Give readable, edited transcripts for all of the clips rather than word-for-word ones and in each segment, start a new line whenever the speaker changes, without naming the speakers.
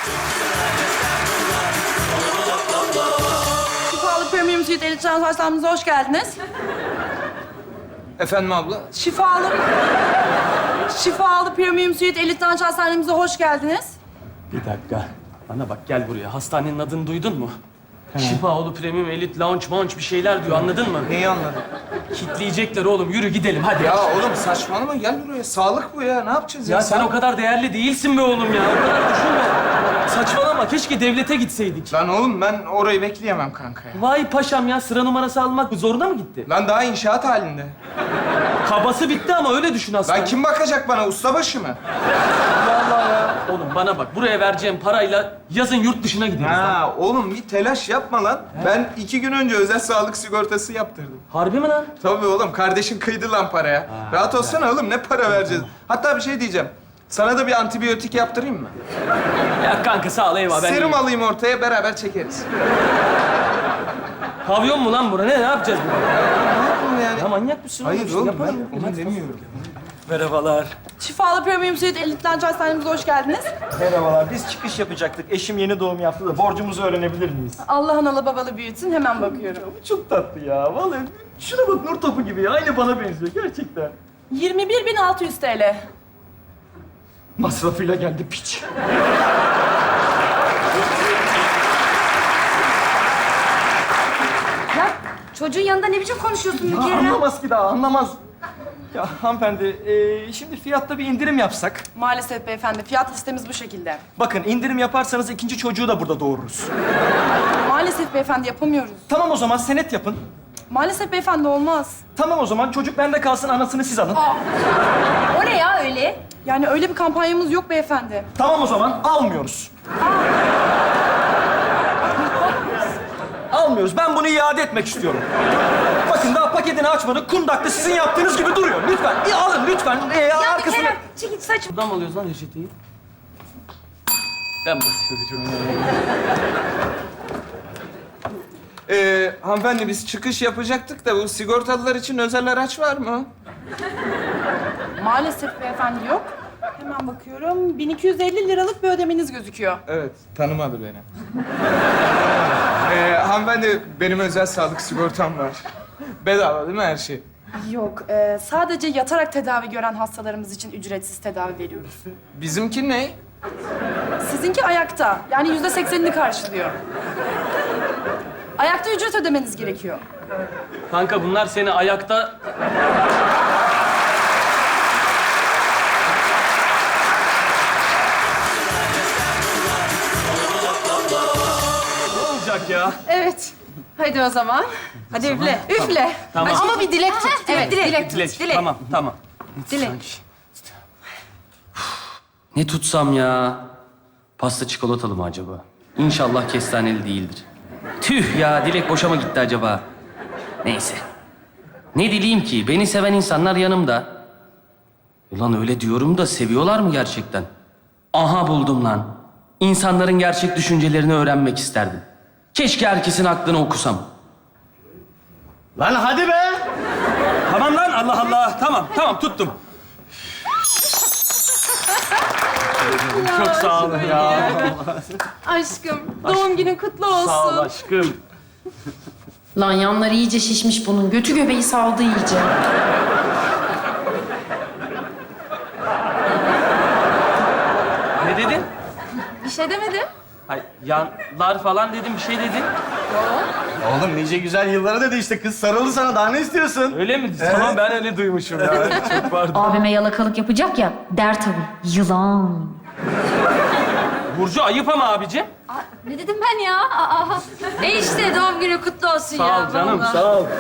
Şifalı Premium Suite Elit Transversal'ımıza hoş geldiniz.
Efendim abla?
Şifalı Premium Suite Elit Transversal'ımıza hoş geldiniz.
Bir dakika. Bana bak gel buraya. Hastanenin adını duydun mu? Şifaoğlu Premium Elite Lounge Munch bir şeyler diyor anladın mı?
Neyi anladın?
Kitleyecekler oğlum. Yürü gidelim hadi.
Ya oğlum saçmalama gel buraya. Sağlık bu ya. Ne yapacağız ya?
Ya sen o kadar değerli değilsin be oğlum ya. O kadar düşünme. Saçmalama. Keşke devlete gitseydik.
Lan oğlum ben orayı bekleyemem kanka ya.
Vay paşam ya. Sıra numarası almak zoruna mı gitti?
Lan daha inşaat halinde.
Kabası bitti ama öyle düşün aslında.
Lan kim bakacak bana? Ustabaşı mı?
Vallahi ya. Oğlum bana bak. Buraya vereceğim parayla yazın yurt dışına gideriz lan.
Ha oğlum bir telaş yapma lan. Ben 2 gün önce özel sağlık sigortası yaptırdım.
Harbi mi lan?
Tabii oğlum kardeşin kıydı lan paraya. Rahat olsana oğlum ne para vereceğiz? Hatta bir şey diyeceğim. Sana da bir antibiyotik yaptırayım mı?
Ya kanka sağ ol eyvallah. Ben
Serum
iyiyim.
alayım ortaya beraber çekeriz.
Pavyon mu lan bura? Ne yapacağız bunu?
Ne yapayım yani?
Ya manyak mısın?
Hayır
İşte
oğlum
yapalım.
ben onu demiyorum.
Merhabalar.
Şifalı Premium Suite Elit Transversal'ımıza hoş geldiniz.
Merhabalar, biz çıkış yapacaktık. Eşim yeni doğum yaptı da borcumuzu öğrenebilir miyiz?
Allah analı babalı büyütsün, hemen bakıyorum.
Bu çok tatlı ya. Vallahi şuna bak nur topu gibi ya. Aynı bana benziyor gerçekten.
21.600 TL.
Masrafıyla geldi piç.
Ya çocuğun yanında ne biçim konuşuyorsun bir
Ya
kere?
anlamaz ki daha, anlamaz. Ya hanımefendi, şimdi fiyatta bir indirim yapsak.
Maalesef beyefendi, fiyat listemiz bu şekilde.
Bakın indirim yaparsanız ikinci çocuğu da burada doğururuz.
Maalesef beyefendi yapamıyoruz.
Tamam o zaman senet yapın.
Maalesef beyefendi olmaz.
Tamam o zaman çocuk bende kalsın, anasını siz alın.
O ne ya öyle?
Yani öyle bir kampanyamız yok beyefendi.
Tamam o zaman almıyoruz. Almıyoruz. Ben bunu iade etmek istiyorum. Bakın daha paketini açmadık. Kundakta sizin yaptığınız gibi duruyor. Lütfen alın lütfen.
Ya bir
Arkasını...
kere çekil saç.
Buradan mı alıyoruz lan reçeteyi? Ben basıyorum.
Hanımefendi biz çıkış yapacaktık da bu sigortalılar için özel araç var mı?
Maalesef beyefendi yok. Hemen bakıyorum. 1250 liralık bir ödemeniz gözüküyor.
Evet, tanımadı beni. Hanımefendi benim özel sağlık sigortam var. Bedava değil mi her şey?
Yok, sadece yatarak tedavi gören hastalarımız için ücretsiz tedavi veriyoruz.
Bizimki ne?
Sizinki ayakta. Yani %80'ini karşılıyor. Ayakta ücret ödemeniz gerekiyor.
Kanka bunlar seni ayakta... Ne olacak ya?
Evet. Hadi o zaman. Hadi üfle. Üfle.
Tamam.
Ama bir dilek tut.
Evet, dilek tut.
Dilek.
Dilek.
Tamam, tamam.
Dilek.
Ne tutsam ya? Pasta çikolatalı mı acaba? İnşallah kestaneli değildir. Tüh ya, Dilek boşa mı gitti acaba? Neyse. Ne dileyim ki? Beni seven insanlar yanımda. Ulan öyle diyorum da seviyorlar mı gerçekten? Aha buldum lan. İnsanların gerçek düşüncelerini öğrenmek isterdim. Keşke herkesin aklını okusam.
Lan hadi be!
Tamam lan, Allah Allah. Tamam tuttum. Çok sağ olun ya.
Aşkım, doğum günün kutlu olsun.
Sağ ol aşkım.
Lan yanları iyice şişmiş bunun. Götü göbeği saldı iyice.
Ne dedin?
Bir şey demedim.
Ay, yanlar falan dedim, bir şey dedin.
Oğlum nice güzel yıllara dedi işte. Kız sarıldı sana. Daha ne istiyorsun?
Öyle mi? Tamam, ben öyle duymuşum ya. Çok pardon.
Abime yalakalık yapacak ya. Der tabii. Yılan.
Burcu ayıp ama abicim.
Ne dedim ben ya? İşte doğum günü kutlu olsun ya.
Sağ ol canım,
vallahi.
sağ ol.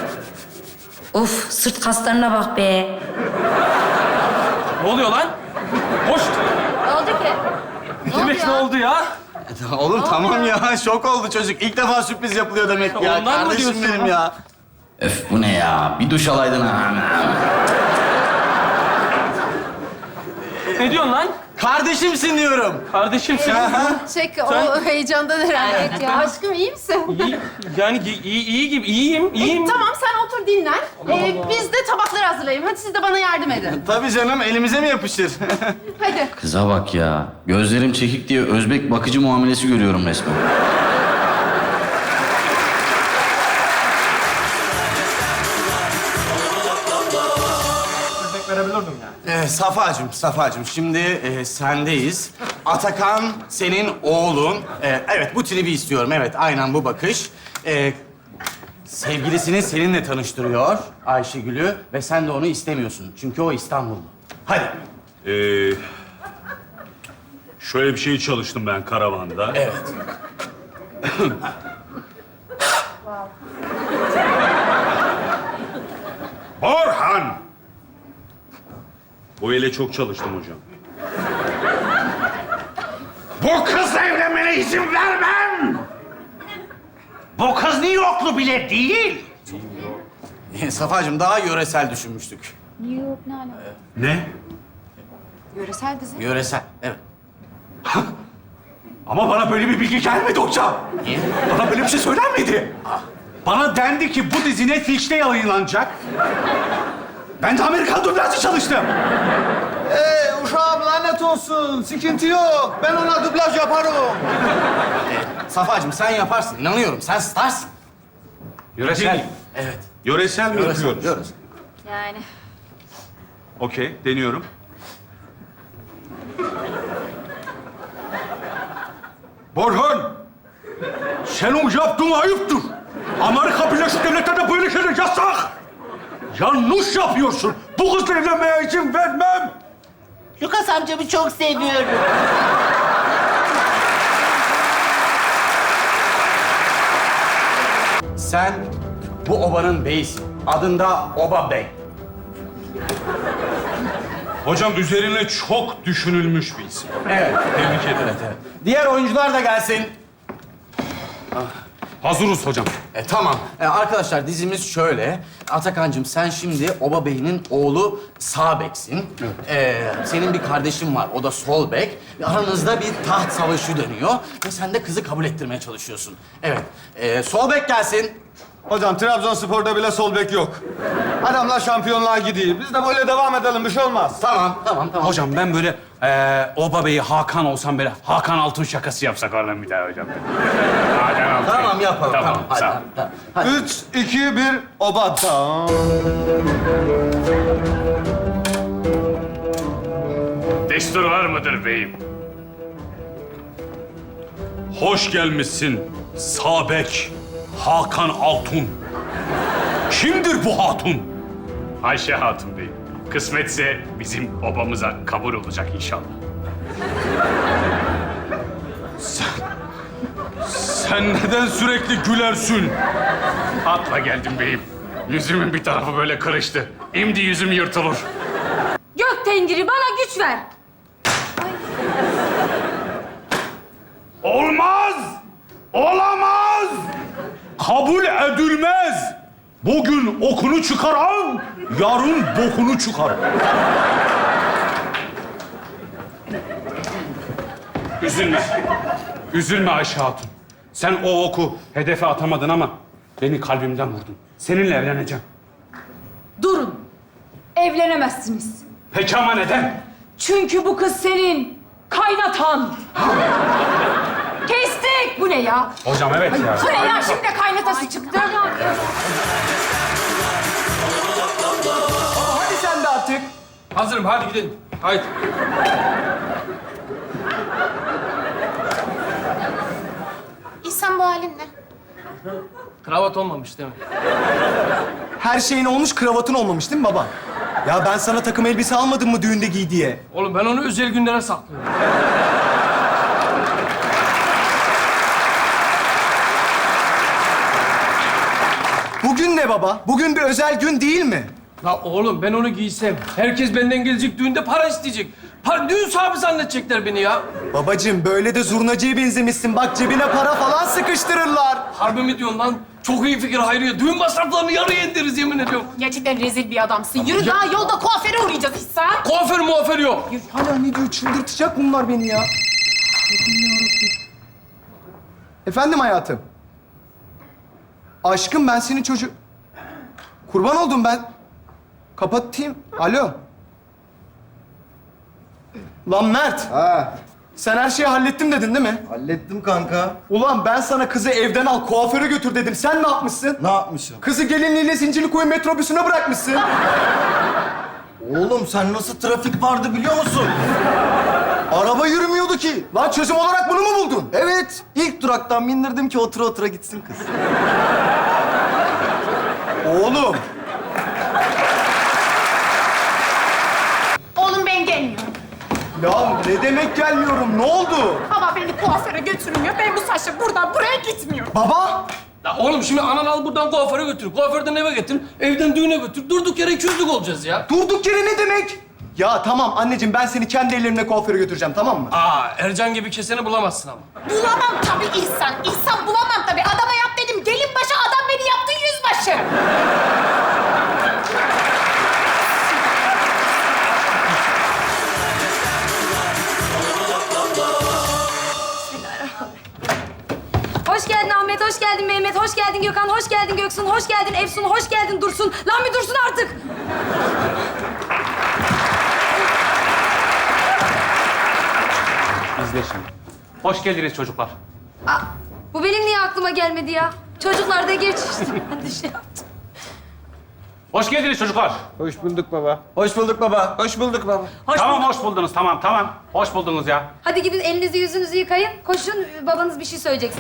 Of sırt kaslarına bak be.
Ne oluyor lan? Hoş.
Ne oldu ki?
Ne demek ne oldu ya?
Oğlum tamam ya. Şok oldu çocuk. İlk defa sürpriz yapılıyor demek ya.
Ondan mı
Kardeşim
diyorsun
benim ya.
Öf bu ne ya? Bir duş alaydın ha.
Ne diyorsun lan?
Kardeşimsin diyorum.
Kardeşimsin.
Çek o heyecandan herhalde.
Evet ya.
Aşkım iyi misin?
İyi, yani iyi gibi, iyiyim.
Tamam sen otur dinlen. Biz de tabakları hazırlayayım. Hadi siz de bana yardım edin.
Tabii canım, elimize mi yapışır?
Hadi.
Kıza bak ya. Gözlerim çekik diye Özbek bakıcı muamelesi görüyorum resmen. Safacığım, şimdi sendeyiz. Atakan senin oğlun. Evet, bu tribi istiyorum. Evet, aynen bu bakış. Sevgilisini seninle tanıştırıyor Ayşegül'ü ve sen de onu istemiyorsun. Çünkü o İstanbullu. Hadi.
Şöyle bir şey çalıştım ben karavanda.
Evet.
Orhan! Bu ile çok çalıştım hocam. Bu kızla evlenmene izin vermem! Bu kız New Yorklu bile değil.
Safacığım, daha yöresel düşünmüştük.
Yok ne alaka?
Ne?
Yöresel dizi.
Yöresel, evet.
Ama bana böyle bir bilgi gelmedi hocam.
Niye?
Bana böyle bir şey söylenmedi. Bana dendi ki bu dizi Netflix'te yayınlanacak. Ben de Amerikan dublajı çalıştım.
Uşağım lanet olsun. Sıkıntı yok. Ben ona dublaj yaparım.
Safacığım, sen yaparsın. İnanıyorum, sen starsın.
Yöresel.
Evet.
Yöresel mi
Yöresel,
yapıyoruz?
yöresel.
Yani.
Okey, deniyorum. Borhan! Senin yaptığın ayıptır. Amerika Birleşik Devletleri'nde böyle şeyler yasak. Yanlış yapıyorsun. Bu kızla evlenmeye izin vermem.
Lucas amcamı çok seviyorum.
Sen bu obanın beyisin. Adında Oba Bey.
Hocam üzerine çok düşünülmüş bir isim.
Evet.
Tebrik ederim.
Diğer oyuncular da gelsin.
Hazırız hocam.
Tamam. Arkadaşlar, dizimiz şöyle. Atakan'cığım, sen şimdi Oba Bey'in oğlu sağ beksin. Senin bir kardeşin var, o da sol bek. Aranızda bir taht savaşı dönüyor ve sen de kızı kabul ettirmeye çalışıyorsun. Evet. Sol bek gelsin.
Hocam Trabzonspor'da bile sol bek yok. Adamlar şampiyonluğa gidiyor. Biz de böyle devam edelim. Bir şey olmaz.
Tamam.
Hocam ben böyle Oba Bey'i Hakan olsam böyle Hakan Altun şakası yapsak oradan bir daha hocam. Hakan Altun.
Tamam, yapalım.
Tamam,
Hadi,
sağ ol.
hadi.
3, 2, 1, oba. Tamam.
Destur var mıdır beyim? Hoş gelmişsin Sabek Hakan Altun. Kimdir bu hatun?
Ayşe Hatun Bey. Kısmetse bizim obamıza kabul olacak inşallah.
Sen neden sürekli gülersin?
Atla geldim beyim. Yüzümün bir tarafı böyle kırıştı. Şimdi yüzüm yırtılır.
Gök tengiri bana güç ver.
Olmaz! Olamaz! Kabul edilmez! Bugün okunu çıkaran, yarın bokunu çıkar.
Üzülme. Üzülme Ayşe Hatun. Sen o oku hedefe atamadın ama beni kalbimden vurdun. Seninle evleneceğim.
Durun. Evlenemezsiniz.
Peki ama neden?
Çünkü bu kız senin kaynatan. Kestik. Bu ne ya?
Hocam evet ya.
Bu ne ya? Şimdi de kaynatası çıktı.
Hadi sen de artık.
Hazırım, hadi gidelim. Haydi.
İhsan, bu halin ne?
Kravat olmamış değil mi?
Her şeyin olmuş, kravatın olmamış değil mi baba? Ya ben sana takım elbise almadım mı düğünde giy diye?
Oğlum ben onu özel günlere saklıyorum.
Bugün ne baba? Bugün bir özel gün değil mi?
La oğlum ben onu giysem, herkes benden gelecek düğünde para isteyecek. Düğün sahibi zannedecekler beni ya.
Babacığım böyle de zurnacıya benzemişsin. Bak cebine para falan sıkıştırırlar.
Harbi mi diyorsun lan? Çok iyi fikir Hayriye. Düğün masraflarını yarıya indiririz yemin ediyorum.
Gerçekten rezil bir adamsın. Yürü daha yolda kuaföre uğrayacağız İhsan.
Kuaför muaför yok.
Hala ne diyor? Çıldırtacak bunlar beni ya. Efendim hayatım. Aşkım ben senin çocuk... Kurban oldum ben. Kapatayım. Alo. Lan Mert.
Ha,
Sen her şeyi hallettim dedin değil mi?
hallettim kanka.
Ulan ben sana kızı evden al, kuaföre götür dedim. Sen ne yapmışsın?
Ne yapmışım?
Kızı gelinliğiyle Zincirlikuyu metrobüsüne bırakmışsın.
Oğlum sen nasıl trafik vardı biliyor musun? Araba yürümüyordu ki.
Lan çözüm olarak bunu mu buldun?
Evet, ilk duraktan bindirdim ki otura otura gitsin kız.
Oğlum.
Oğlum ben gelmiyorum.
Ya ne demek gelmiyorum? Ne oldu?
Baba beni kuaföre götürmüyor. Ben bu saçla buradan buraya gitmiyorum.
Baba.
Ya oğlum şimdi anan al buradan kuaföre götür. Kuaförden eve getir. Evden düğüne götür. Durduk yere 200'lük olacağız ya.
Durduk yere ne demek? Ya tamam anneciğim ben seni kendi ellerimle kuaföre götüreceğim tamam mı?
Aa Ercan gibi keseni bulamazsın ama.
Bulamam tabii İhsan. İhsan bulamam tabii. Adama yap dedim. Gelin başı adam beni yaptı yüzbaşı.
Hoş geldin Ahmet, hoş geldin Mehmet, hoş geldin Gökhan, hoş geldin Göksun, hoş geldin Efsun, hoş geldin Dursun. Lan bir dursun artık.
İzle şimdi. Hoş geldiniz çocuklar.
Aa, bu benim niye aklıma gelmedi ya? Çocuklar da geç işte. Ben de şey yaptım.
Hoş geldiniz çocuklar.
Hoş bulduk baba.
Hoş bulduk baba.
Hoş bulduk baba.
Tamam hoş buldunuz, tamam. Hoş buldunuz ya.
Hadi gidin elinizi yüzünüzü yıkayın. Koşun, babanız bir şey söyleyecek.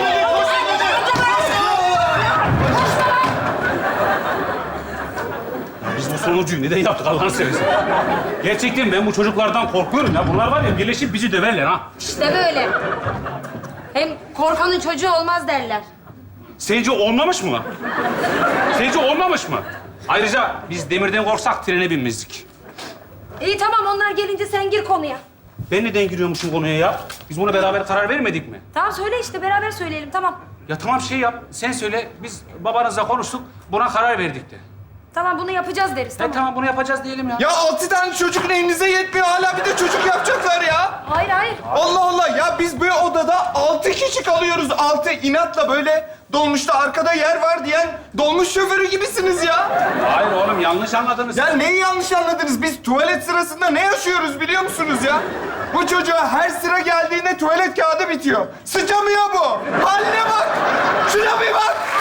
Biz bu sonuncuyu neden yaptık Allah'ını seversen? Gerçekten ben bu çocuklardan korkuyorum ya. Bunlar var ya birleşip bizi döverler ha.
İşte böyle. Hem korkanın çocuğu olmaz derler.
Sence olmamış mı? Sence olmamış mı? Ayrıca biz demirden korksak trene binmezdik.
İyi tamam, onlar gelince sen gir konuya.
Ben neden giriyormuşum konuya ya? Biz buna beraber karar vermedik mi?
Tamam söyle işte, beraber söyleyelim tamam.
Ya tamam şey yap, sen söyle. Biz babanızla konuştuk, buna karar verdik de.
Tamam bunu yapacağız deriz tamam.
Tamam bunu yapacağız diyelim ya.
Ya 6 tane çocuk elinize yetmiyor. Hala bir de çocuk yapacaklar ya.
Hayır hayır.
Allah Allah ya biz bu odada 6 kişi kalıyoruz. 6 inatla böyle dolmuşta arkada yer var diyen dolmuş şoförü gibisiniz ya.
Hayır oğlum yanlış anladınız.
Ya neyi yanlış anladınız? Biz tuvalet sırasında ne yaşıyoruz biliyor musunuz ya? Bu çocuğa her sıra geldiğinde tuvalet kağıdı bitiyor. Sıçamıyor bu. Haline bak. Şuna bir bak.